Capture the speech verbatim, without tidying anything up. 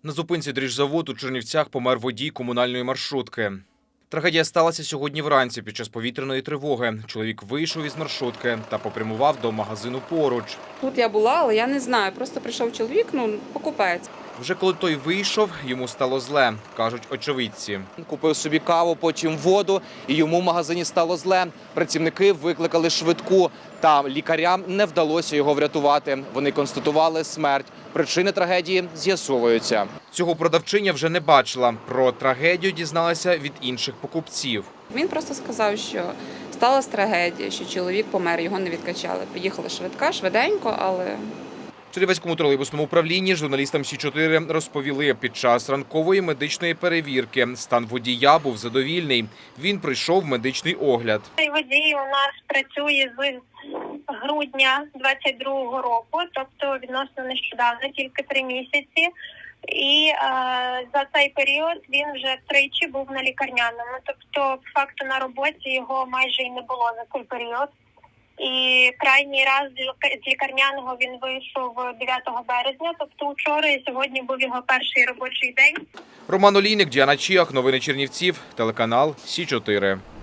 На зупинці дріжзаводу у Чернівцях помер водій комунальної маршрутки. Трагедія сталася сьогодні вранці під час повітряної тривоги. Чоловік вийшов із маршрутки та попрямував до магазину поруч. Тут я була, але я не знаю. Просто прийшов чоловік, ну, покупець. Вже коли той вийшов, йому стало зле, кажуть очевидці. Купив собі каву, потім воду, і йому в магазині стало зле. Працівники викликали швидку, та лікарям не вдалося його врятувати. Вони констатували смерть. Причини трагедії з'ясовуються. Цього продавчиня вже не бачила. Про трагедію дізналася від інших покупців. Він просто сказав, що сталася трагедія, що чоловік помер, його не відкачали. Приїхала швидка, швиденько, але... В Чернівецькому тролейбусному управлінні журналістам Сі чотири розповіли, під час ранкової медичної перевірки стан водія був задовільний. Він пройшов медичний огляд. Цей водій у нас працює з грудня двадцять другого року, тобто відносно нещодавно, тільки три місяці. І е, за цей період він вже тричі був на лікарняному. Тобто, по факту, на роботі його майже і не було за цей період. І крайній раз з лікарняного він вийшов дев'ятого березня, тобто вчора, і сьогодні був його перший робочий день. Роман Олійник, Діана Чіах, новини Чернівців, телеканал Сі чотири.